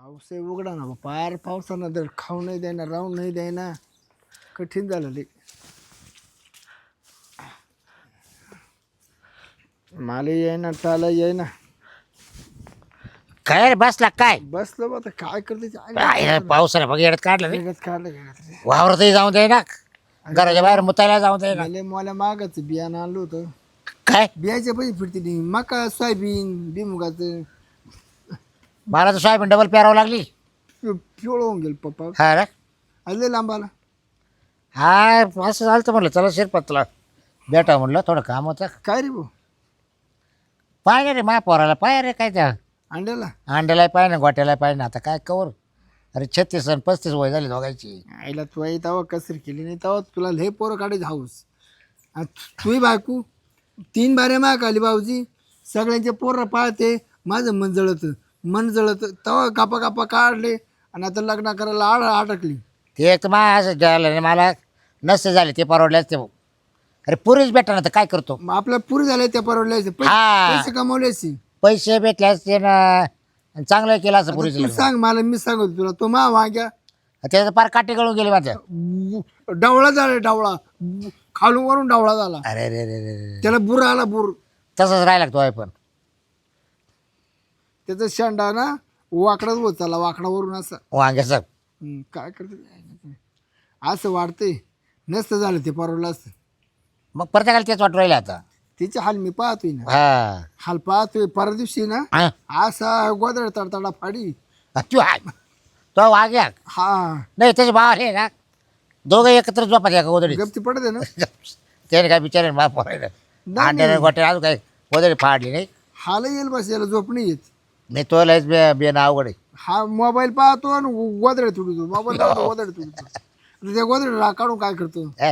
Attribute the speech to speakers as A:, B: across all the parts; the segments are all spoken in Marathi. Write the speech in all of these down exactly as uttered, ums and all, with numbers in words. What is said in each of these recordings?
A: पाऊस आहे उघडा ना बा. पार पावसानं तर खाऊ नाही द्यायना राहून नाही द्यायना कठीण झालं लई. मला येईना टाला येईना
B: काय रे बसला काय
A: बसलो बा आता काय करते ते आई
B: काय पावसाने बघ येडत काढलं नाही
A: वेगळंच काढलं गेलं
B: वावरतही जाऊन दे ना घराच्या बाहेर मुतायला जाऊन दे ना
A: मला मला मागच बियाणं आणलं होतं.
B: काय
A: बियाचे पैसे फिरते नाही मका सोयाबीन बिमुगाचं
B: मला तर सोयाबीन डबल पेरावं लागली
A: पिवळ होऊन गेलं पप्पा.
B: हा रे
A: आले लांब आला
B: हा असं झालं तर म्हणलं चला शिरपतला भेटा म्हणलं थोडं काम होतं
A: काय रे भाऊ
B: पाय रे माझ्या पोराला पाय रे काय त्या
A: अंड्याला
B: अंड्याला पाय ना गोट्याला पाय ना आता काय कवर अरे छत्तीस आणि पस्तीस वय झाली दोघायची
A: आईला तू आई तवा कसर केली नाही तवा तुला लय पोरं काढायचं हाऊस तुही बायकू तीन बारे माग आली भाऊजी सगळ्यांचे पोरं पाळते माझं मन जळत मन जळत तवा कापा कापा काढले आणि आता लग्न करायला आड अटकली.
B: ते एक तर मा असं झालं नाही मला नसते झाले ते परवडल्याच ते अरे पुरीच भेटा ना तर काय करतो
A: मग आपल्या पुरी झाले त्या परवडल्याचे
B: हा.
A: पैसे कमवल्याचे
B: पैसे भेटले असते ना आणि चांगलं केलं असं पुरीचं
A: तू
B: लग्न.
A: सांग मला मी सांगतो तुला तो मा वाग्या
B: त्याचं पार काटे गळून गेले माझ्या
A: डावळा झाला डावळा खालून वरून डावळा झाला
B: अरे रे रे रे रे
A: त्याला बुर आला बुर
B: तसंच राहायला लागतो आहे पण
A: त्याचा शेंडा ना वाकडाच होत चालला वाकडावरून असं
B: वांग्याचं
A: हम्म, काय करते असं वाढते नसतं झालं ते परवडलं असतं.
B: मग प्रत्येकाला तेच वाटू राहिलं आता
A: तिचे हाल मी पाहतोय ना
B: हा
A: हाल पाहतोय परवा दिवशी ना
B: हा.
A: असा गोदड तडतडा फाडी
B: तू आहे तो वाग्या
A: हा
B: नाही त्याचे भाव आले ना दोघं एकत्र झोपा का गोदडी
A: गपची पडते ना
B: त्याने काय बिचारे मा पोरायला
A: नाही,
B: अंड्याने गोट्या अजून काय गोदडी फाडली नाही
A: हाल येईल बस याला झोप नाही येत.
B: नाही तो लयच बे बेन अवघड आहे
A: हा मोबाईल पाहतो आणि गोदड तुडतो मोबाईल पाहतो गोदड तुडतो आणि त्या गोदड काढून काय करतो
B: हे.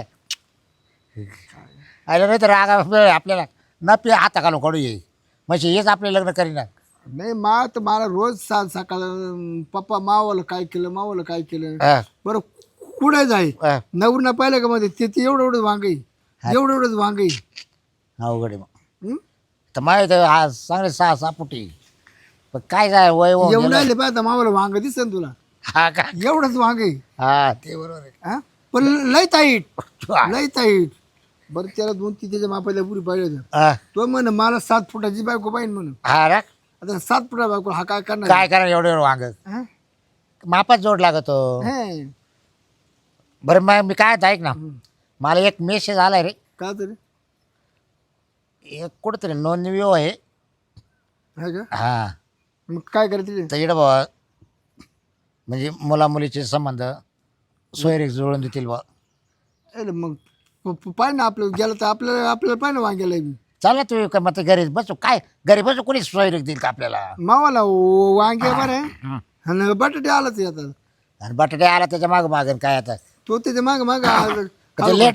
B: अरे नाही तर रागा आपल्याला न पे हाता घालून काढू ये म्हणजे हेच आपले लग्न करीना
A: नाही मा तर मला रोज सा सकाळ पप्पा मावाला काय केलं मावाला काय केलं
B: हा,
A: बरं कुठे जाय
B: हा.
A: नवरना पाहिलं का मध्ये ते ते एवढं एवढंच वांगई एवढं एवढंच वांगई
B: अवघड आहे मग
A: हं?
B: तर माहीत आज चांगले सहा सहा फुटी पण काय जाय वय होऊन
A: एवढं
B: गेलं.
A: आले पाहता मावाला वांग दिसन तुला
B: हा का
A: एवढंच वांगई
B: हा ते बरोबर आहे
A: हा पण लय ताईट
B: हा.
A: लय ताईट बरं त्याला दोन तीन त्याच्या मापायला पुरी पाहिजे
B: हा.
A: तो म्हण मला सात फुटाची बायको पाहिजे म्हणून
B: हा रा
A: आता सात फुटा बायको हा काय करणार
B: काय करा एवढं एवढं वांग
A: हा?
B: मापात जोड लागतो
A: हे.
B: बरं मग मी काय ऐक ना मला एक मेसेज आलाय रे
A: का तरी
B: एक कुठंतरी नोंदणी आहे
A: हा का
B: हा
A: मग काय करायचं
B: तर इकडं बाबा म्हणजे मुला मुलीचे संबंध सोयरीक जुळून देतील बा
A: अरे मग प- प- पाय ना आपलं गेलं तर आपल्याला आपल्याला पाय ना वांग्याला बी
B: चल ना तुम्ही मग घरी बसू काय घरी बसू कोणी सोयरीक देईल का आपल्याला
A: मावाला व- वांगे बरं आहे
B: हं.
A: आणि बटाटे आलाच आता
B: आणि बटाटे आला त्याच्या मागं मागं काय आता
A: तो त्याच्या माग माग
B: ते लेट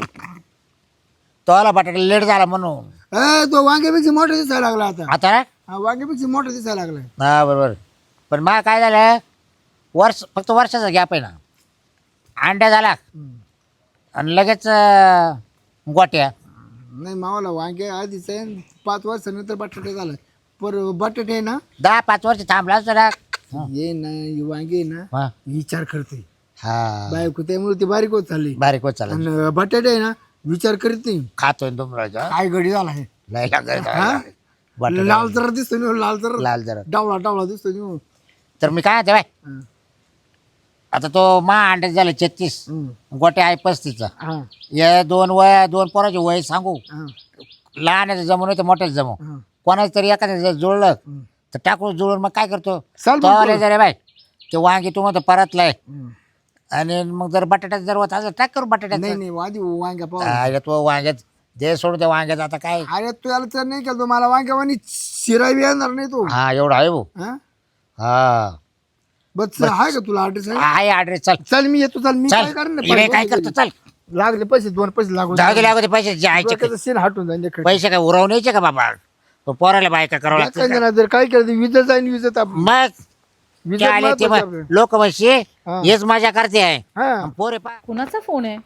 B: तो आला बटाटे लेट झाला म्हणून
A: ए तो वांग्यापेक्षा मोठा दिसायला लागला आता
B: आता
A: हा वांग्यापेक्षा मोठा दिसायला लागला
B: हा बरोबर पण मा काय झालं वर्ष फक्त वर्षाचा गॅप आहे ना अंड्या झाला आणि लगेच अं, गोट्या
A: नाही मावाला वांगे आधीच आहे आणि पाच वर्षानंतर बटाटे झाला पर बटाटे आहे ना
B: दहा पाच वर्ष थांबला असतो ना
A: ये ना ही वांगे आहे ना
B: हा
A: विचार करते
B: हा
A: बायको त्यामुळे ती बारीक होत चालली
B: बारीक होत चालला
A: आणि बटाटे आहे ना विचार करीत नाही
B: खातोय डोंगराचा
A: काय घडी झाला आहे
B: लय लागत
A: हा?
B: बटाटा
A: लाल जरा दिसतो नि लाल जरा
B: लाल जरा
A: डावळा डावळा दिसतो नि
B: तर मी काय म्हणते बाय आता तो मा अंड्यात झाले छत्तीस गोट्या आहे पस्तीसचा
A: हा
B: या दोन वय दोन पोराचे वय सांगू
A: हा
B: लहानाचं जमू नाही तर मोठ्याचं जमू
A: हा.
B: कोणाचं तरी एखाद्या जर जुळलं तर टाकून जुळून मग काय करतो
A: चाल
B: तो
A: मग
B: आले जरे बाय ते वांगी तू म्हणतो परतलाय
A: हम्म.
B: आणि मग जर बटाट्यात जर होत असं टाक करू बटाट्यात
A: नाही नाही आधी वांग्या पाहू
B: अरे तो वांग्यात दे सोडून त्या वांग्यात आता काय
A: अरे तू याला तर नाही केलं तो मला वांग्यावानी शिरावी येणार नाही तो
B: हा एवढा आहे भाऊ
A: हा
B: हा
A: बस आहे का तुला ऍड्रेस आहे
B: आहे ॲड्रेस चल
A: चल मी येतो चल मी
B: चल
A: काय करणार
B: इकडे काय करतो चल
A: लागले पैसे दोन पैसे लागू
B: जाऊ दे लागू दे पैसे जायचे
A: डोक्याचं सीन हटून जाईल इकडे.
B: पैसे काय उरवण्याचे का बाबा तो पोराला बायका करावं लागतं
A: एखाद्या जणाला जर काय केलं विजत जाईल विजत आप-
B: मग
A: विजत
B: ते आले ते
A: महत्वाचं आपलं.
B: लोक म्हणशी
A: हा.
B: हेच मजा करते आहे
A: हा
B: पोरे पा
C: कुणाचा फोन आहे?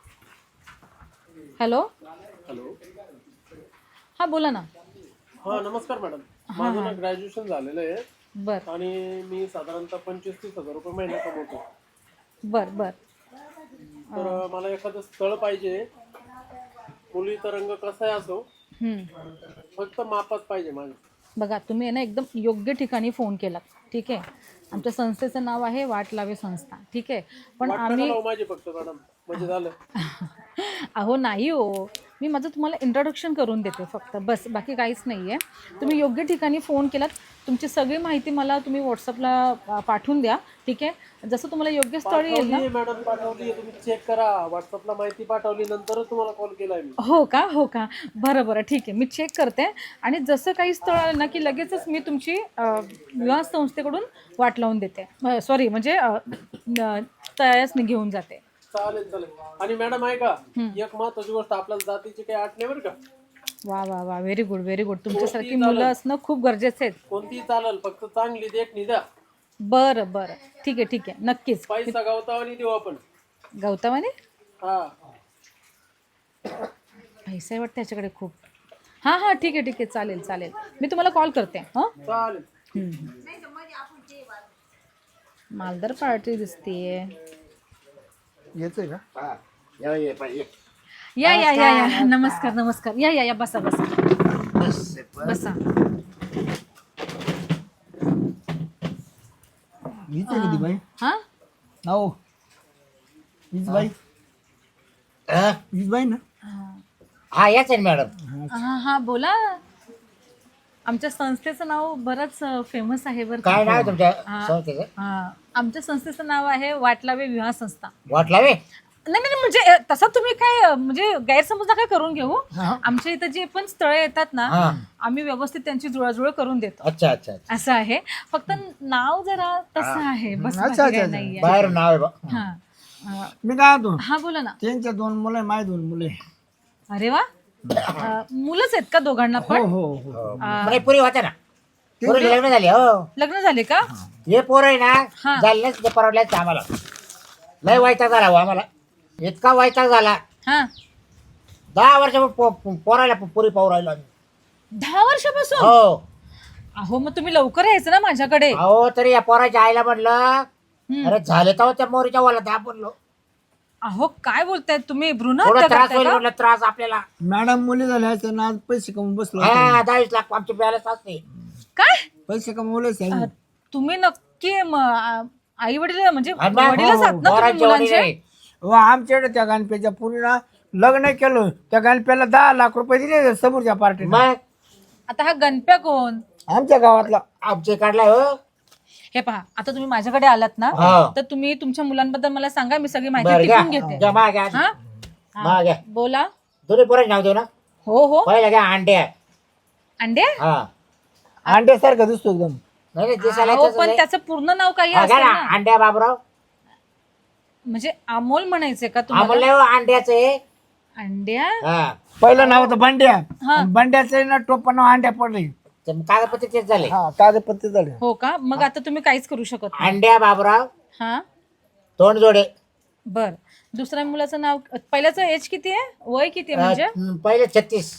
C: हॅलो हा बोला ना.
D: हा नमस्कार मॅडम माझं ना ग्रॅज्युएशन झालेलं आहे
C: बर
D: आणि मी साधारणतः पंचवीस तीस हजार रुपये महिना कमवतो.
C: बर बर
D: तर मला एखादं स्थळ पाहिजे. मुलीचा रंग कसाही असो,
C: हम्म.
D: फक्त मापात पाहिजे माझ्या.
C: बघा तुम्ही आहे ना एकदम योग्य ठिकाणी फोन केला. ठीक आहे, आमच्या संस्थेचं नाव आहे वाट लावे संस्था. ठीक आहे, पण
D: वाटतं का
C: आम्ही
D: लावू माझी फक्त मॅडम, म्हणजे झालं.
C: अहो नाही हो, मी माझं तुम्हाला इंट्रोडक्शन करून देते फक्त, बस, बाकी काहीच नाही आहे. तुम्ही योग्य ठिकाणी फोन केलात. तुमची सगळी माहिती मला तुम्ही व्हॉट्सअपला पाठवून द्या. ठीक आहे, जसं तुम्हाला योग्य स्थळ येईल ना.
D: पाठवली मॅडम, पाठवली. तुम्ही चेक करा. व्हॉट्सअपला माहिती पाठवली, नंतरच तुम्हाला कॉल केलाय मी.
C: हो का, हो का, बरं बरं, ठीक आहे, मी चेक करते. आणि जसं काही स्थळ आलं ना की लगेचच मी तुमची अ, विवाह संस्थेकडून वाट लावून देते. सॉरी, म्हणजे अ, न- तयासनी घेऊन जाते.
D: चालेल चालेल. आणि मॅडम आहे का, एक महत्वाची गोष्ट, आपल्याला जातीची काही आठ नाही बरं का.
C: वा वा वा, व्हेरी गुड व्हेरी गुड. तुमच्यासारखी मुलं असणं खूप गरजेचं आहे.
D: कोणतीही चालेल, फक्त चांगली देखणी द्या.
C: बरं बरं, ठीक आहे ठीक आहे, नक्कीच.
D: पैसा गावतावानी देऊ आपण.
C: गौतमाने
D: हा,
C: पैसा आहे वाटतं त्याच्याकडे खूप. हां हां, ठीक आहे ठीक आहे, चालेल चालेल, मी तुम्हाला कॉल करते. हां,
D: चालेल.
C: मालदार पार्टी दिसतीये.
A: येतोय का?
B: हा. या, ये, पा- ये.
C: या या या या, नमस्कार नमस्कार, या या या, बसा बसा
B: बस, बस.
C: बसा.
A: हीच आहे किती बाई?
C: हां,
A: हो, हीच बाई,
B: हा?
A: हीच बाई ना?
B: हा, याच आहे मॅडम.
C: हां हां, बोला. आमच्या संस्थेचं नाव बरंच फेमस आहे बरं का.
B: काय नाव आहे तुमच्या
C: हा.
B: संस्थेचं?
C: हां, आमच्या संस्थेचं नाव आहे वाटलावे विवाह संस्था.
B: वाटलावे?
C: नाही नाही, म्हणजे अ, तसं तुम्ही काय अ, म्हणजे गैरसमज नका करून घेऊ. आमच्या इथं जे पण स्थळं येतात ना,
B: हा.
C: आम्ही व्यवस्थित त्यांची जुळाजुळ करून देतो.
B: अच्छा अच्छा अच्छा.
C: असं आहे, फक्त नाव जरा तसं आहे, बस,
A: अच्छा,
C: बाकी
A: अच्छा,
C: काही
A: अच्छा.
C: नाहीये.
B: बाहेर नाव आहे बा.
C: हा अ,
A: मी काय होतो,
C: हा, बोला ना.
A: त्यांच्या दोन मुलं आहे, माझे दोन मुले.
C: अरे वा, अ, मुलंच आहेत का दोघांना
A: हो
C: पण?
A: हो हो.
B: हो. म्हणजे पुरी होते ना, पुरी लग्न झाली. हो,
C: लग्न झाले का?
B: हे पोर आहे
C: हा.
B: ना, झालेच ते परवडल्याच आम्हाला. लय वैताग झाला हो आम्हाला, इतका वैताग झाला.
C: हा,
B: दहा वर्ष पोरायला पुरी पाहू राहिलो आम्ही.
C: दहा वर्षापासून?
B: हो.
C: अहो, मग तुम्ही लवकर यायचं ना माझ्याकडे.
B: अहो, तरी या पोराच्या आईला म्हटलं,
C: हम्म.
B: अरे झाले तर त्या मोरीच्या वाला दहा बोललो.
C: अहो, काय बोलताय तुम्ही, भ्रूण
B: थोडा
C: हत्या
B: त्रास
C: करताय
B: होईल
C: का?
B: म्हटलं, त्रास आपल्याला.
A: मॅडम मुली झाल्या असत्या ना, आज पैसे कमवून बसलो
B: हा, दहावीस लाख आमची बॅलन्स असते.
C: काय
A: पैसे कमवले
C: अ, तुम्ही नक्की आई वडील म्हणजे
B: आणि मग
C: वडीलच आहात ना तुम्ही
B: पोरांच्या
C: मुलांचे?
B: वडील
A: व आमच्याकडे त्या गणपेच्या पुरीला लग्न केलं, त्या गणप्याला दहा लाख रुपये दिले समोरच्या पार्टीने.
B: मग
C: आता हा गणप्या कोण?
A: आमच्या गावातला.
B: आमचे काढलाय हो.
C: हे पहा, आता तुम्ही माझ्याकडे आलात ना,
B: हा.
C: तर तुम्ही तुमच्या मुलांबद्दल मला सांगा, मी सगळी
B: बरं
C: माहिती
B: घ्या,
C: टिपून घेते.
B: घ्या, माग घ्या.
C: हा
B: माग घ्या.
C: बोला.
B: दोन्ही पोरांची नाव देऊ ना.
C: हो हो,
B: पहिला घ्या अंड्या.
C: अंडे.
B: हा.
A: अंड्यासारखं दिसतो एकदम.
B: नाही नाही, दिसायला
C: अहो,
B: तसंच
C: पण
B: आहे.
C: त्याचं पूर्ण नाव काही
B: हा, घ्या
C: असेल
B: ना,
C: ना.
B: अंड्या बाबराव.
C: म्हणजे अमोल म्हणायचंय का
B: आम्हाला
C: तुम्हाला?
B: अंड्याच आहे.
C: अंड्या.
B: हा.
A: पहिलं नाव होतं बंड्या.
C: हा.
A: बंड्याचं ना टोपण नाव अंड्या पडले.
B: ते कागदपत्र तेच झाले.
A: हा, कागदपत्र झाले.
C: हो का, मग आता तुम्ही काहीच करू शकत नाही.
B: अंड्या बाबराव
C: हा,
B: तोंड जोडे.
C: बर. दुसऱ्या मुलाचं नाव, पहिल्याचं एज किती आहे, वय किती आहे म्हणजे?
B: अं, पहिले छत्तीस.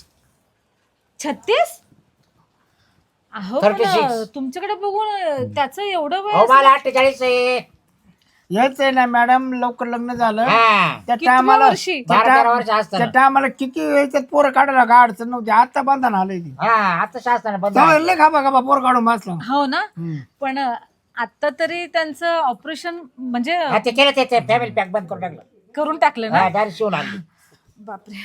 C: छत्तीस? अहो,
B: थर्टी
C: पण
B: सिक्स.
C: तुमच्याकडे बघून त्याचं एवढं वय
B: हो,
C: असेल?
B: मला अठ्ठेचाळीस आहे.
A: याच आहे ना मॅडम, लवकर लग्न झालं
B: हा.
A: त्या
C: कितव्या
A: टायमाला
C: वर्षी?
A: त्या
B: बारा तेरा
A: टायम-
B: वर्ष असताना.
A: त्या टायमाला किती याच्यात पोरं काढायला का अडचण नव्हती, आता बांधून आलंय ती.
B: हा, आता शासनाने बंद
A: तेव्हा
B: आहे.
A: लय खाबा खाबा पोर काढून बसला.
C: हो ना, पण आता तरी त्यांचं ऑपरेशन म्हणजे
B: हा, ते केलं ते फॅमिली पॅक बंद करून टाकलं.
C: करून टाकलं ना.
B: हा, डायरेक्ट शिवून आणली.
C: बापरे.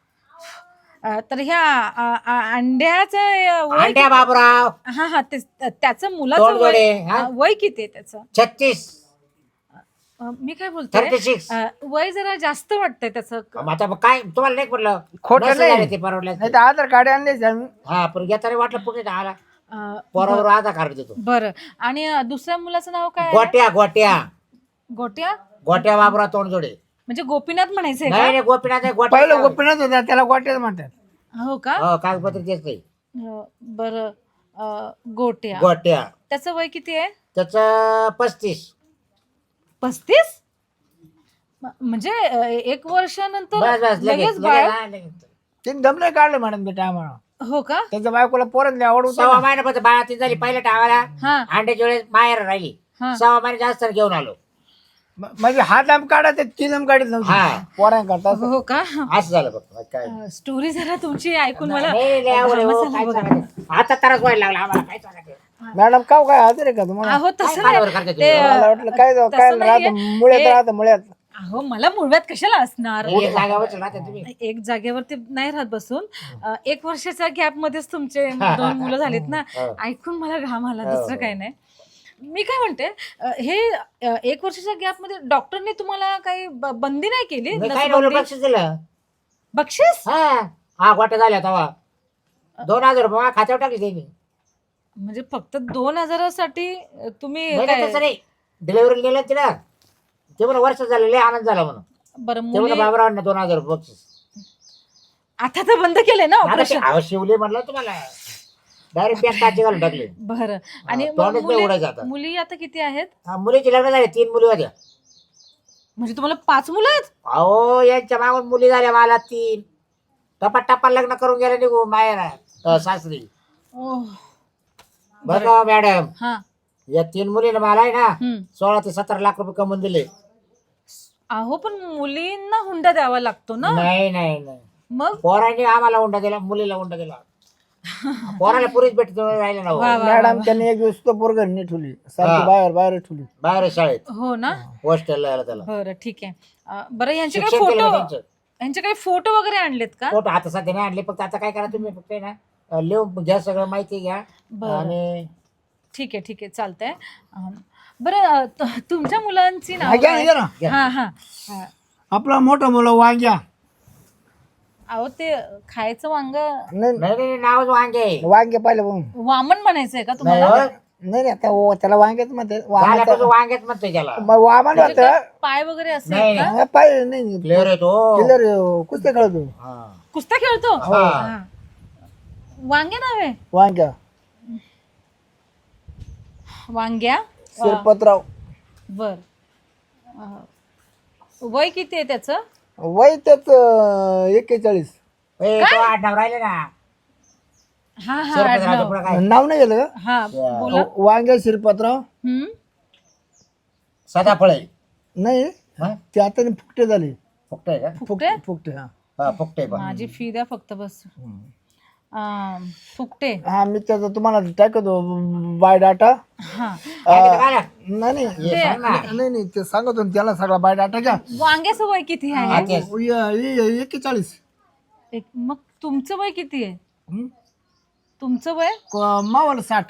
C: अ, तर ह्या अ, अ, अंड्याचं वय
B: अंड्या बाबराव
C: हा हा, ते- त्याचं मुलाचं
B: तोंड
C: वय
B: जोडे, हा?
C: अ, वय किती आहे त्याचं?
B: छत्तीस.
C: अ, मी काय बोलते,
B: थर्टी सिक्स.
C: वय जरा जास्त वाटतंय त्याचं.
B: आता मग काय तुम्हाला नाही पडलं?
A: खोटं
B: नसं
A: नाही.
B: झालं ते परवडलं.
A: नाही तर आधार कार्ड आणलेच आम्ही.
B: हा, पण या तरी वाटलं पुढे आला
C: अ,
B: पोरावर आधार कार्ड देतो.
C: बरं. आणि अ, दुसऱ्या मुलाचं नाव काय आहे?
B: गोट्या गोट्या
C: गोट्या.
B: गोट्या बाबराव तोंड जोडे.
C: म्हणजे गोपीनाथ म्हणायचंय
B: नाही
C: का?
B: नाही, गोपीनाथ नाही, गोट्या.
A: पहिलं गोपीनाथ होता, त्याला गोट्याच म्हणतात.
C: हो का?
B: हो, कागदपत्र तेच नाही.
C: अ, बरं. अ, गोट्या.
B: गोट्या.
C: त्याचं वय किती आहे?
B: त्याच पस्तीस.
C: पस्तीस? म- म्हणजे अ, एक वर्षानंतर
B: बस बस लगेच
C: लगेच बाळ?
B: लगेच, हा, लगेच.
A: ते दमले काढलं मॅडम त्या टायमाला.
C: हो का?
A: त्याच्या बायकोला पोरांनी आवड होतं
B: सव्वा
A: ना.
B: महिन्यापर्यंत बाळा ती झाली पहिल्या टाळाला
C: हा
B: अंड्याच्या वेळेस बाहेर राहिली
C: हा.
B: सव्वा महिने जास्त घेऊन आलो
A: म- म्हणजे हा दाम काढा ते ती दाम काढत
B: हा.
A: नव्हती पोरांकरता असं.
C: हो का?
B: असं झालं फक्त बाकी काय
C: अं, स्टोरी जरा तुमची ऐकून मला
B: नाही, लय आवड आहे, हो,
C: घामच
B: काय
C: आला बघा.
B: सांगायचं. आता त्रास व्हायला लागला आम्हाला काय सांगायचं
A: मॅडम काव काय हजर आहे का तुम्हाला
C: अहो तसं
B: काय
C: नाही
B: कालवर करते तुम्ही?
C: ते
A: मला वाटलं काय जाऊ,
C: तसं
A: काय
C: नाहीये.
A: राहतं मुळ्यात
C: हे-
A: राहतं मुळ्यात.
C: अहो मला मुळव्यात कशाला असणार
B: एक जागेवरच राहते तुम्ही
C: एक जागेवरती नाही राहत बसून अं, एक वर्षाच्या गॅप मध्येच तुमचे दोन मुलं झालीत ना
B: हो.
C: ऐकून मला घाम आला
B: हो,
C: दुसरं
B: हो.
C: काही नाही मी काय म्हणते अं, हे अं, एक वर्षाच्या गॅप मध्ये डॉक्टरने तुम्हाला काही ब- बंदी नाही केली
B: मी काय
C: नसबंदी?
B: नवलं बक्षीस दिलं
C: बक्षीस
B: हा हा गोट्या झाल्या तेव्हा दोन हजार रुपये माझ्या खात्यावर टाकले त्यांनी
C: म्हणजे फक्त दोन हजारासाठी अं, तुम्ही
B: नाही नाही,
C: काय
B: तसं नाही डिलिव्हरी गेलं तिला ते म्हणून वर्ष झालं लय आनंद झाला म्हणून
C: बरं
B: ते म्हणून
C: मुली
B: बाबरावांना दोन हजार रुपये बक्षीस
C: आता तर बंद केलंय ना
B: आता ते
C: ऑपरेशन
B: आवाज शिवले म्हणलं तुम्हाला डायरेक्ट बँक काची घालून टाकले
C: बरं आणि मग
B: तोंडच नाही उडायचं आता.
C: मुली मुली आता किती आहेत
B: हा, मुलीची लग्न झाले तीन मुली होत्या
C: म्हणजे तुम्हाला पाच मुलं आहेत
B: अहो यांच्या मागून मुली झाल्या मला तीन टप्पा टप्पा लग्न करून गेले निघू माहेर सासरी
C: ओह,
B: बघा मॅडम
C: हा
B: या तीन मुलीने मला आहे ना
C: हम्म.
B: सोळा ते सतरा लाख रुपये कमवून दिले
C: अहो पण मुलींना हुंडा द्यावा लागतो ना
B: नाही नाही नाही
C: मग
B: पोरांनी आम्हाला हुंडा दिला मुलीला हुंडा दिला पोराला पुरीच भेटत राहिले ना हो.
C: वा, वा,
A: मॅडम त्यांनी एक दिवस तो पोरग नीट ठेवली सारखी
B: हा.
A: बाहेर बाहेर ठेवली.
B: बाहेर आहे शाळेत
C: हो ना
B: हॉस्टेलला यायला त्याला
C: बरं ठीक आहे अं, बरं यांचे काही
B: शिक्षण केलं
C: फोटो
B: ना त्यांचं
C: यांचे काही फोटो वगैरे आणलेत का
B: फोटो आता सध्या नाही आणले फक्त आता काय करा तुम्ही फक्त आहे ना अं, लिहून घ्या सगळं माहिती घ्या
C: बरं.
B: आणि
C: ठीक आहे ठीक आहे चालतंय अं, बरं अं, त- तुमच्या मुलांची
A: हा,
C: नाव
A: घ्या ना, घ्या ना.
C: हा हा हा.
A: आपला मोठा मुलं वांग्या
C: अहो ते खायचं वांग
A: नाही
B: नाही नाही नाही, नावच वांगे आहे.
A: वांगे पाहिलं बघून.
C: वामन म्हणायचंय का
B: नाही
C: तुम्हाला
B: हो.
A: नाही नाही आता ओ- त्याला वांग्याच म्हणते
B: झाल्यापासून
A: वांग्याचं-
B: वांगेच म्हणतोय त्याला
A: मग वामन
C: म्हणजे
A: होतं.
C: काय पाय वगैरे असे
B: नाही,
C: आहेत का
A: हा, पाहिलं नाही
B: प्लेअर आहे तो
A: किल्लर कुस्ते खेळतो
B: हा.
C: कुस्त्या खेळतो
B: हा.
C: हा. वांगे नाव आहे
A: वांग्या
C: वांग्या
A: शिरपतराव
C: बर अं, वय किती आहे त्याचं
A: वय त्याच एक्केचाळीस.
B: ए, तो आडनाव राहिले ना
C: हा हा
B: शिरपतरावचं
C: आडनाव.
B: पुढं काय
A: नाव नाही गेलं का?
C: हा बोला
A: वांग्या शिरपतराव
C: हम्म
B: सदाफळ आहे
A: नाही
B: हा?
A: ते आता फुकटे झाले.
B: फुकट आहे का
C: फुकटे
A: फुकटे हा
B: हा फुकट आहे पण
C: माझी फी द्या फक्त बस अं, फुकटे
A: हा मी त्याचा तुम्हाला टाकतो बाय डाटा.
C: हा
B: काय घेतं काय?
A: नाही नाही
B: हे सांग ना.
A: नाही नाही ते सांगतो ना त्याला सगळा बाय डाटा घ्या.
C: वांग्याचं वय किती
B: हा,
C: आहे
B: तेच.
A: एक्केचाळीस.
C: एक मग तुमचं वय किती आहे
A: हं?
C: तुमचं वय
A: क- मावाला साठ.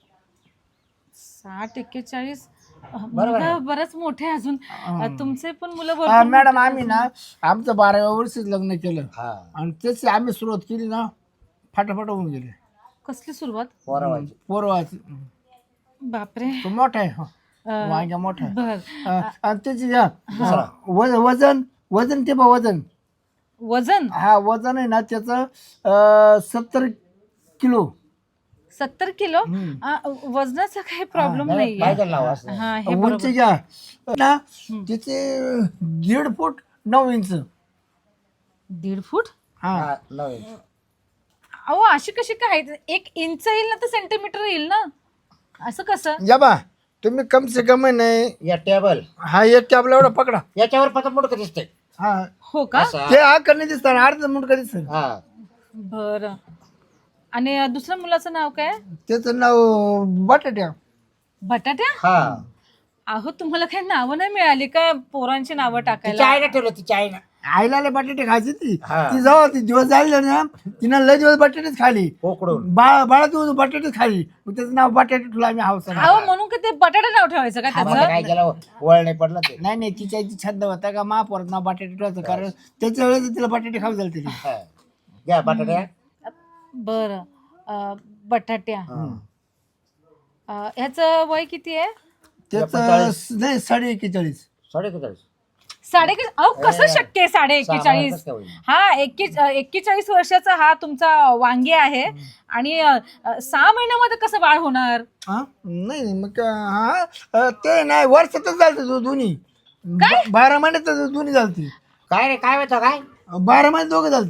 C: साठ एक्केचाळीस अं, मुलं बरंच मोठे आहे अजून अं, तुमचे पण मुलं
A: हा,
C: बरोबर
A: मॅडम आम्ही ना आमचं बाराव्या वर्षीच लग्न केलं
B: हा
A: आणि त्याची आम्ही सुरुवात केली ना फाटाफाट होऊन गेले
C: कसली सुरुवात
B: पोरावाची
A: पोरवाच.
C: बापरे
A: तो मोठा आहे हा.
C: अं,
A: वांग्या मोठा आहे
C: बर
A: अं, आणि त्याची हा, वज- वजन वजन ते बा वजन
C: वजन
A: हा वजन आहे ना त्याचं सत्तर किलो.
C: सत्तर किलो आ, वजनाचा काही प्रॉब्लेम नाहीये
B: पाहिजे लावा असं.
C: हा हे
A: उंची
C: बरोबर
A: घ्या ना तिचे दीड फूट नऊ इंच.
C: दीड फूट
A: हा
B: हा, नवीन.
C: अहो अशी कशी काय एक इंच येईल ना तर सेंटीमीटर येईल ना असं कसं
A: या बा तुम्ही कम से कम नाही
B: या टेबल
A: हा एक टॅबला एवढा पकडा.
B: याच्यावर फक्त मुडक दिसते
A: हा
C: हो का
B: असं.
A: ते हा करणे दिसतात अर्ध मुंडका दिसत.
B: हा
C: बर आणि अ, दुसऱ्या मुलाचं नाव काय
A: त्याचं नाव बटाट्या.
C: बटाट्या
B: हा
C: अहो तुम्हाला काही नावं नाही मिळाली का पोरांची नावं
B: तिच्या
C: टाकायला
B: आईने ठेवलं तिच्या आईनं
A: आईला लय बटाटे खायची ती
B: हा.
A: ती जेव्हा ती दिवस झाले ना तिनं लय दिवस बटाटेच खाली.
B: उकडून
A: बाळा बाळा तू बटाटेच खाली मग त्याचं नाव बटाटे ठेवलं आम्ही हौसा.
C: अहो म्हणून का ते बटाटा नाव ठेवायचं का
B: आता
C: त्याचं
B: काय केलं वळ नाही पडलं ते
A: नाही नाही तिच्या आईची छंद होता का महापौरात नाव बटाटे ठेवायचं कारण त्याच्या वेळेस तिला बटाटे खाऊ झाले तिथे.
B: हा. घ्या बटाट्या
C: बर बटाट्या अ, ह्याचं वय किती आहे
A: त्याचं नाही साडे एक्केचाळीस.
B: साडे किती
C: साडे अहो कसं शक्य आहे साडे एक्केचाळीस
B: कसं काय होईल?
C: हा एक्के एक्केचाळीस वर्षाचा हा तुमचा वांगे आहे आणि अ, अ, सहा महिन्यामध्ये कसं बाळ होणार
A: हा नाही नाही, मग हा अं, ते नाही वर्षातच झालते दो- दोन्ही ब- बारा महिन्यात दोन्ही झालती.
B: काय रे काय होतं काय
A: बारा महिने दोघं झालती.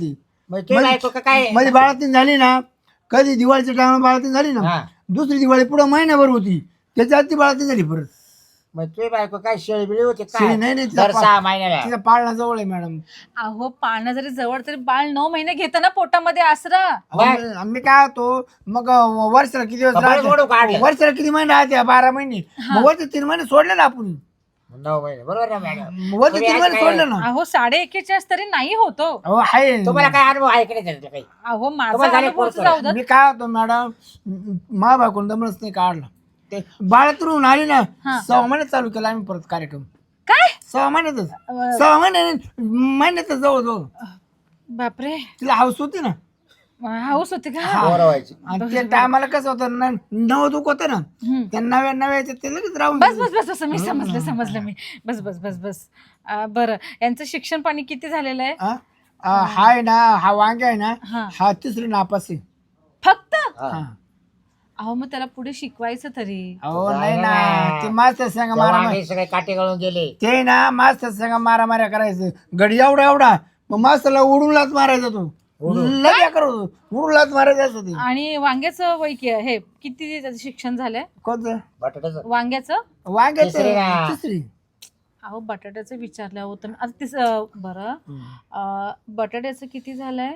B: मग तुझी बायको का काय
A: माझी बाळातीन झाली ना, कधी दिवाळीच्या टायमाला बाळातीन झाली ना,
B: हा.
A: दुसरी दिवाळी पुढे महिनाभर होती, त्याच्या आधी ती बाळातीन झाली परत.
B: मग तुझी बायको काय शेळी बिळी होती
A: शेळी
B: काय
A: नाही, नाही, तिचा
B: दर
A: पा-
B: सहा महिन्याला
A: तिचा पाळणा जवळ आहे मॅडम.
C: अहो पाळणं जरी जवळ तरी बाळ नऊ महिने घेतं ना पोटामध्ये आसरा.
A: आम्ही आम्ही काय होतो मग अं, वर्षाला किती दिवस
B: कपाळ जोडून
A: राहते?
B: काढलं.
A: वर्षाला किती महिने राहते? बारा महिने. मग वरचे तीन महिने सोडले ना आपण,
B: नऊ महिने बरोबर ना मॅडम
A: वरचे
B: तुम्ही
A: तीन
B: आज
A: महिने
B: काय-
A: सोडले ना.
C: अहो साडे एकेचाळीस तरी नाही होतो.
A: हो आहे.
B: तुम्हाला काय अनुभव आहे की नाही त्याच्यातला काही
C: अहो माझा
B: तुम्हाला झाले
C: अनुभवच
B: पोरं?
C: जाऊ द्या.
A: मी काय होतो मॅडम, मा बायकोन दमच नाही काढला. ते बाळातून आली ना, सहा महिन्यात चालू केला आम्ही परत कार्यक्रम.
C: काय
A: सहा महिन्यातच सहा महिने महिन्यातच जवळ जवळ
C: बापरे,
A: तिला हाऊस होती ना.
C: हाऊस होती का?
B: पोरं व्हायची.
A: आणि ते टायमाला कसं होतं ना, नव दुख होतं ना,
C: हम्म.
A: त्या नव्या नव्याच्या ते लगेच राहून
C: बस बस बस बस मी समजलं समजलं मी बस बस बस बस अं, बरं यांचं शिक्षण पाणी किती झालेलं आहे?
A: हा? आ, हाय ना, हा वांगे आहे ना,
C: हा.
A: हा तिसरी नापास आहे.
C: फक्त
B: हा.
A: हा.
C: अहो मग त्याला पुढे शिकवायचं तरी.
A: अहो
B: जाय
A: नाही
B: ना.
A: ना, ते मास्तर सांगा
B: तेव्हा
A: मारा
B: आम्ही सगळे काटे गळून गेले
A: ते ना मास्तर सांगा मारा माऱ्या करायचं. गडी एवढा एवढा मग मास्तरला उडून लाच मारायचा तो. लगे करू उडून लाच मारायचं असं ते.
C: आणि वांग्याचं वय कि- हे किती त्याचं शिक्षण झालंय
A: कोणतं
B: बटाट्याचं
C: वांग्याचं?
A: वांग्याचं
B: तिसरी ना.
A: तिसरी.
C: अहो बटाट्याचं विचारलं होतं मी. आता तिस अं, बरं अं, बटाट्याचं किती झालंय?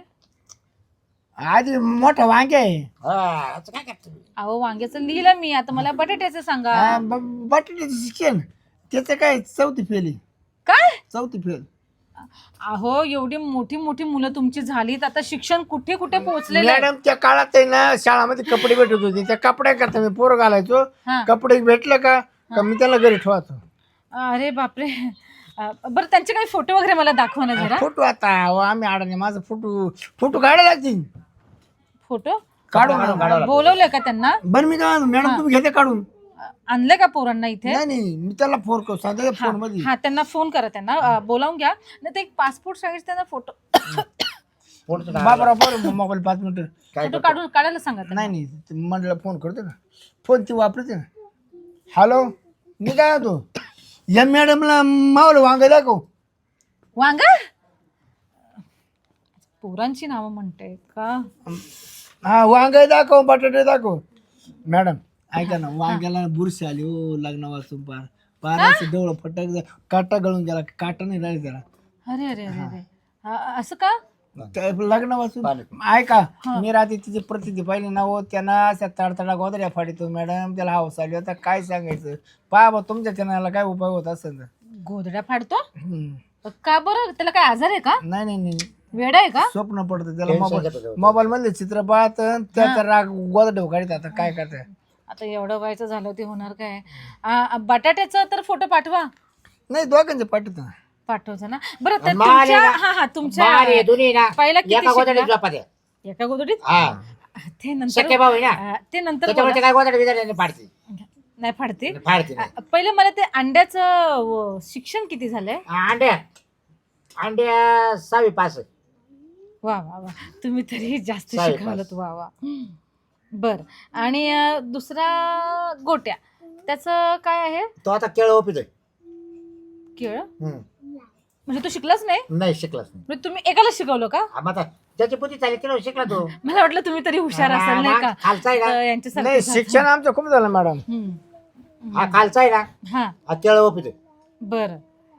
A: आधी मोठा वांगे आहे.
B: हा, असं काय करतो
C: अहो वांग्याचं लिहिलं मी, आता मला बटाट्याचं सांगा.
A: हा, ब- बटाट्याचं शिक्षण त्याचं काय चौथी फेल आहे.
C: काय?
A: चौथी फेल.
C: अहो एवढी मोठी मोठी मुलं तुमची झालीत, आता शिक्षण कुठे कुठे पोहोचलेलं आहे?
A: मॅडम त्या काळात आहे ना, शाळामध्ये कपडे भेटत होते, त्या कपड्या करता मी पोरं घालायचो.
C: हा.
A: कपडे भेटलं का का मी त्याला घरी ठेवायचो.
C: अरे बापरे. अं, बरं त्यांचे काही फोटो वगैरे मला दाखवा ना जरा.
A: फोटो आता अहो, आम्ही अडाणी माझा फोटो फोटो काढायला लागतील.
C: फोटो
A: काढू
B: काढून
A: ना.
B: काढावं
C: बोलवलंय का त्यांना?
A: बरं मी काय म्हणतो, मॅडम तुम्ही घेते काढून?
C: अं, आणलंय का पोरांना इथे?
A: नाही नाही मी त्याला फोन करतो साध्या फोन मध्ये.
C: हा त्यांना फोन करा, त्यांना अं, बोलावून घ्या. नाही तर एक पासपोर्ट साईज त्यांना फोटो
B: पोटचं काय?
A: बाबरा बरं मोबाईल पाच मिनिटं.
B: काय
C: फोटो
B: करतो?
C: काढून काढायला सांगा त्यांना.
A: नाही नाही ते मंडळाला फोन करतो ना, फोन ती वापरते ना. हॅलो मी काय होतो या मॅडमला मावलं वांग दाखव.
C: वांगा पोरांची नावं म्हणते का?
A: हा वांग दाखव, बटाटे दाखव. मॅडम ऐका ना, वांग्याला बुरशी आली हो लग्न वाचून पार पार असं डोळं फटक काटा गळून गेला, काटा नाही राहिला त्याला.
C: अरे अरे अरे अरे अं, असं का?
A: त्या लग्न वाचून ऐका मी रात्री तिची प्रतिती पाहिली ना हो, त्यांना अशा तडतडा गोदऱ्या फाडीतो मॅडम. त्याला हाऊस आली आता काय सांगायचं. पहा बा तुमच्या चॅनलला काय उपाय होत असेल तर.
C: गोधड्या फाडतो
A: हम्म.
C: का बरं? त्याला काय आजार आहे का?
A: नाही नाही नाही
C: वेड आहे का?
A: स्वप्न पडतं त्याला.
B: Tension
A: मोबाईल
B: घेतो तो.
A: मोबाईल मधले चित्र पाहत त्याचा राग गोदडे काढत. आता काय करताय.
C: आता एवढं व्हायचं झालं ते होणार काय? आ, बटाट्याचं तर फोटो पाठवा.
A: नाही दोघांचे पाठवतो.
C: पाठवतो ना. बरं तर
B: माल आहे
C: तुमच्या
B: ना.
C: हा हा तुमच्या
B: बाळ आहे, दोन्ही ना
C: पहिला किती
B: एका गोदडीत
C: शिकला?
B: झोपा द्या.
C: एका गोदडीत?
B: हा
C: ते नंतर
B: शक्य भाऊ आहे ना
C: आ, ते नंतर
B: त्याच्यामुळे ते काय गोदडी बिदडी पाडते
C: बोला. नाही फाडते.
B: फाडते
C: आ, पहिले मला ते अंड्याचं व, शिक्षण किती झालंय?
B: अंड्या अंड्या सहावी पास आहे.
C: वा वा वा तुम्ही तरी जास्त
B: साडेपाच.
C: शिकवलत. वा वा बर. आणि अ, दुसरा गोट्या त्याचं काय आहे?
B: तो आता केळ ओपितोय.
C: केळ
B: हम्म.
C: म्हणजे तो शिकलाच नाही?
B: नाही शिकलाच नाही.
C: म्हणजे तुम्ही एकाला शिकवलं का?
B: हा, मग आता त्याची पुती चालेल केलं शिकला तो.
C: मला वाटलं तुम्ही तरी हुशार असाल नाही का?
B: खालचा आहे
C: तर
B: ना
C: यांच्यासारखं
A: नाही
C: झालं.
A: शिक्षण आमचं खूप झालं मॅडम.
C: हम्म.
B: हा खालचा आहे ना
C: हा
B: हा केळ ओपितोय.
C: बरं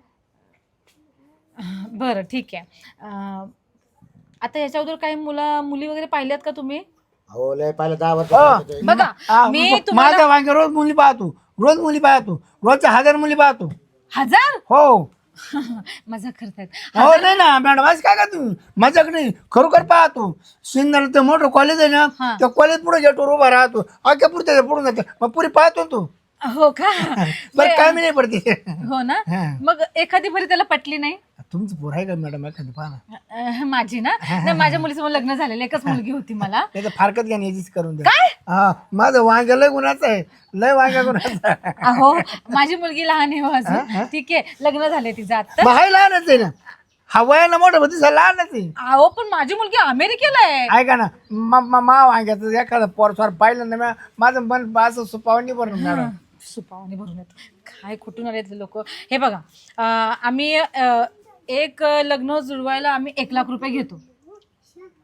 C: बरं ठीक आहे. अं, आता याच्या अगोदर काही मुला मुली वगैरे पाहिल्यात का तुम्ही?
B: हो लय पाहिलं दहा वर्ष
A: हो.
B: ओपितोय.
C: बघा
A: हा,
C: मी
A: म-
C: तुम्हाला
A: माझ्या वांगे रोज मुली पाहतो, रोज मुली पाहतो, रोजच्या हजार मुली पाहतो.
C: हजार
A: हो
C: मजा करतायत.
A: हो नाही ना मॅडम असं काय का तुम्ही मजाक नाही खरोखर पाहतो. सिन्नर ते मोठं कॉलेज आहे ना,
C: हा.
A: त्या कॉलेज पुढे गेटवर उभा राहतो. अख्या पुढे पुढून जाते मग पुरी पाहतो ना तू.
C: हो का?
A: बरं काय मी नाही पडते.
C: हो ना.
A: हा.
C: मग एखादी बरी त्याला पटली नाही?
A: तुमचं पोर आहे का मॅडम एखादी पाहा ना.
C: अं, माझी ना नाही, माझ्या मुलीसमोर लग्न झालेलं एकच मुलगी होती मला.
A: त्याचं फारकत घ्या याचीच करून द्या. हा माझं वांग लय गुणाचं आहे, लय वांग्या गुणाचं आहे.
C: अहो माझी मुलगी लहान आहे हो अजून. ठीक आहे लग्न झालंय तिचं आता.
A: मग हाय लहानच आहे ना, हा वयाला मोठं होती लहानच आहे.
C: अहो पण माझी मुलगी अमेरिकेला आहे.
A: ऐका ना मा- मा मा वांग्याचं एखादं पोरस्वार पाहिलं ना म्या- माझं मन असं सुपावणी भरून मॅडम.
C: सुपावणी भरून येत काय कुठून आले लोक. हे बघा अं, आम्ही अं, एक लग्न जुळवायला आम्ही एक लाख रुपये घेतो.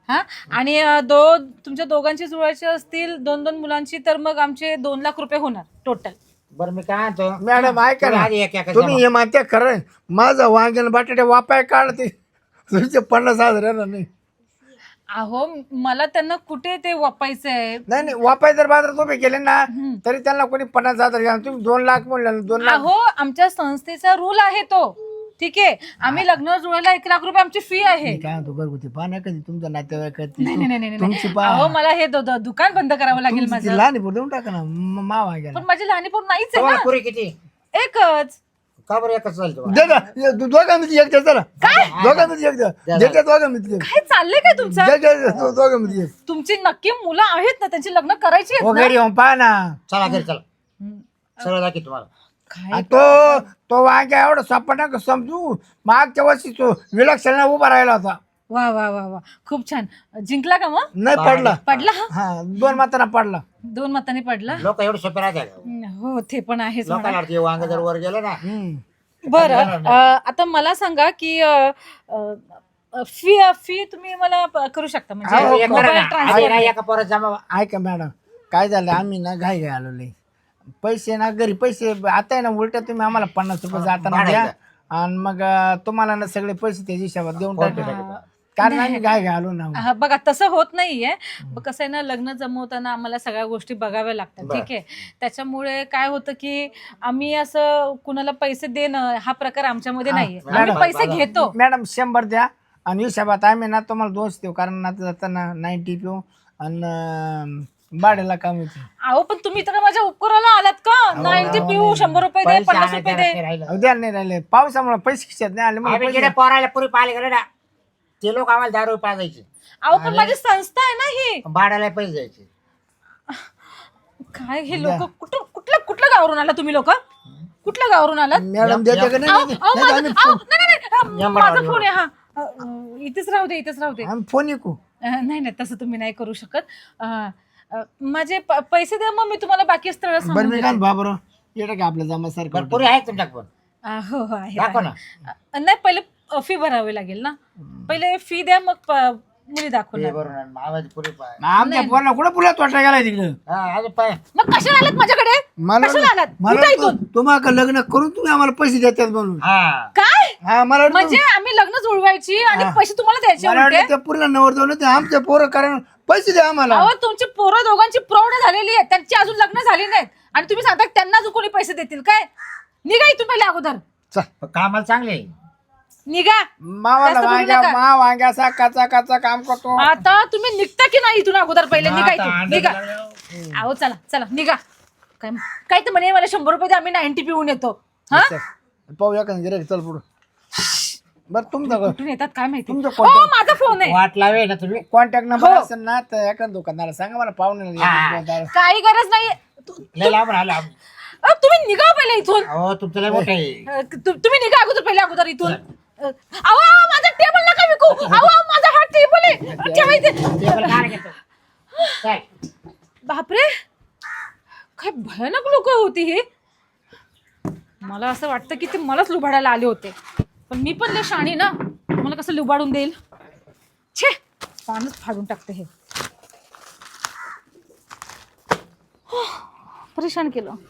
C: हा आणि अं, दो तुमच्या दोघांची जुळायची असतील दोन दोन मुलांची तर मग आमचे दोन लाख रुपये होणार टोटल.
B: बरं मी काय म्हणतो
A: मॅडम ऐका
B: तुम्ही
A: ना,
B: आधी एक एक
A: तुम्ही हे म्हणते खरं आहे. माझं वांग्याला बटाटे वापाय काढते तुमचे पन्नास हजार येणार नाही.
C: अहो मला त्यांना कुठे ते वापायचंय.
A: नाही नाही वापाय जर बाजार तुम्ही केले ना तरी त्यांना कोणी पन्नास हजार घ्या तुम्ही दोन लाख म्हणले ना, दोन लाख
C: अहो आमच्या संस्थेचा रूल आहे तो. ठीक आहे आम्ही लग्न जुळायला एक लाख रुपये आमची फी आहे.
A: मी काय म्हणतो घरगुती पाहा कधी तुमच्या नातेवाईक
C: नाही नाही नाही नाही,
A: तुमची
C: नाही
A: पहा
C: अहो मला हे दु- दु- दुकान बंद करावं लागेल
A: तुमची ती
C: माझं.
A: लहान आहे, देऊन टाका ना म- मा वांग्याला
C: पण माझी लहानी पोर नाहीच आहे
B: तुम्हाला
C: ना.
B: पुरी किती
C: एकच.
B: का बरं एकच चालेल तुम्हाला
A: दे ना ये दो- दोघांमध्ये एक द्या चला दोघांमध्ये एक द्या देते दोघांमध्ये एक.
C: काय चाललंय काय तुमचं.
A: द्या, द्या, द्या, दो- दोघांमध्ये एक.
C: तुमची नक्की मुलं आहेत ना त्यांची लग्न करायची आहेत
A: हो
C: ना?
A: घरी येऊन पहा ना
B: चला घरी चला
C: हम्म.
B: सगळं दाखी तुम्हाला.
C: काय
A: आणि तो तो वांग्या एवढा सापड नका समजू मागच्या वर्षी तो विलक्षण उभा राहिला होता
C: वा वा वा वा खूप छान. जिंकला का मग.
A: नाही पडला
C: पडला हा
A: हा दोन माताना पडला.
C: दोन मतांनी पडला.
B: लोक एवढे सोपे राहते का?
C: हो ते पण आहेच म्हणा.
B: लोकांना वाटतं हे वांग जर वर गेलं ना
A: हम्म.
C: बरं अं, आता मला सांगा की फी फी तुम्ही मला प- करू शकता
A: हो,
C: म्हणजे
B: एक
A: हो.
B: करा
C: मोबाईल
B: ना.
C: ट्रान्सफर.
B: आधी ना एका पोरात जमा
A: ऐका मॅडम काय झालं आम्ही ना घाई घाई आलो लई पैसे ना घरी पैसे आता आहे ना उलट्या तुम्ही आम्हाला पन्नास रुपये जाताना द्या आणि मग अं, तुम्हाला ना सगळे पैसे त्याच्या हिशोबात देऊन टाकले कारण आम्ही घाई घाई आलो ना
C: हा, बघा तसं होत नाहीये. ब- कसं आहे ना लग्न जमवताना आम्हाला सगळ्या गोष्टी बघाव्या लागतात. ठीक आहे त्याच्यामुळे काय होतं की आम्ही असं कुणाला पैसे देणं हा प्रकार आमच्यामध्ये नाहीये. आम्ही
A: मॅडम,
C: पैसे घेतो.
A: मॅडम शंभर द्या आणि हिशोबात आम्ही ना तुम्हाला दोष देऊ कारण आता जाताना नाईन्टी पिऊ आणि अं, भाड्याला काम येते
C: अहो पण तुम्ही तर माझ्या उपकाराला आलात का. नाईन्टी पिऊ शंभर रुपये दे
B: पैसे
C: पन्नास
B: आणायचे
C: रुपये दे.
B: नाही राहिलं.
A: उद्या नाही राहिले पावसामुळे पैसे खिशात नाही आले मग
B: आम्ही
A: पैसे
B: जिकडे पोरायला पुरी पाहिले गेले ना ते लोक आम्हाला दारू पाजायचे
C: अहो पण माझी संस्था आहे ना ही.
B: भाड्याला पैसे द्यायचे.
C: काय हे लोक कुठं कुठल्या कुठल्या गावावरून आला तुम्ही लोक कुठल्या गावावरून आलात.
A: मॅडम देते का नाही
C: अहो,
A: देते?
C: अहो,
A: नाही तर
C: माझा
A: आम्ही
C: अहो, नाही, नाही, नाही,
B: नंबर
C: माझा
B: लावा,
C: फोन आहे हा अ, अ, इथेच राहू दे इथेच राहू दे.
A: आम्ही फोन ऐकू
C: अ, नाही नाही तसं तुम्ही नाही करू शकत. अ, अ, माझे प- पैसे द्या मग मी तुम्हाला बाकी स्थळ
A: बरं
C: सांगून
A: मी
C: देते.
A: काय बाबरो येतं का आपल्या जमासारखं
B: बरं पुरी आहे तुमच्या पण
C: अ, हो हो आहे,
B: दाखव
C: आहे.
B: ना.
C: अ, नाही पहिले फी भरावी लागेल ना. पहिले फी द्या मग प- मुली
B: हे
C: दाखवणार.
B: बरोबर आहे. आवाज पुरी पाय
A: आमच्या पोराला कुठं पुला तोटा गेलाय तिकडं
B: हा अजून पाय
C: मग कशाला आलात माझ्याकडे
A: मला
C: कशाला आलात
A: मला
C: उठा इथून.
A: तुम्हाला लग्न करून तुम्ही आम्हाला पैसे देतात म्हणून
B: हा
C: काय
A: हा मला वाटलं-
C: म्हणजे आम्ही लग्न जुळवायची आणि
A: हा.
C: पैसे तुम्हाला द्यायचे
A: मला
C: उलटे?
A: वाटलं त्या पूर्ण नवर जाऊन ते आमचे पोरं कारण पैसे द्या आम्हाला
C: अहो तुमची पोरं दोघांची प्रौढ झालेली आहेत त्यांची अजून लग्न झाली नाहीत आणि तुम्ही सांगता की त्यांना अजून कोणी पैसे देतील काय. निघा इथून पहिले अगोदर
A: चल.
B: कामाला चांगले आहे.
C: निघा.
A: मावाला
C: जास्त बोलू
A: वांग्या
C: नका.
A: मा वांग्याचा काचा काचा काम करतो
C: आता तुम्ही निघता की नाही इथून अगोदर पहिले निघा
B: आता
C: इथून
B: अंडे
C: निघा.
B: लागल्यावर-
C: अहो चला चला निघा. काय काय तर म्हणे मला शंभर रुपये द्या आम्ही नाईन्टी पिऊन येतो. हा
A: चल. पाहू या गिऱ्हाईक चल पुढं बरं तुमचा
C: कुठून येतात काय माहिती.
A: तुमचं
C: हो
A: contact-
C: माझा फोन आहे.
B: वाट लावे ना तुम्ही
A: कॉन्टॅक्ट नंबर
C: हो.
A: असेल ना तर एका दुकानदारा सांगा मला पाहुणे
B: हा.
C: काही गरज नाही. तु-
B: लय लांब राहिला
C: अहो, तुम्ही निघा पहिले इथून.
B: हो तुमचं लय मोठं आहे.
C: अ, तु- तुम्ही निघा अगोदर पहिले अगोदर इथून. अ, अहो अहो, माझा टेबल नका विकू. अहो अहो, माझा हा टेबल आहे ठेवायचे.
B: टेबल काय घेतो काय
C: बापरे काय भयानक लोक होती ही. मला असं वाटतं की ते मलाच लुबाडायला आले होते पण मी पण लय शाणी ना मला कसं लुबाडून देईल. छे पानच फाडून टाकते हे. परेशान केलं.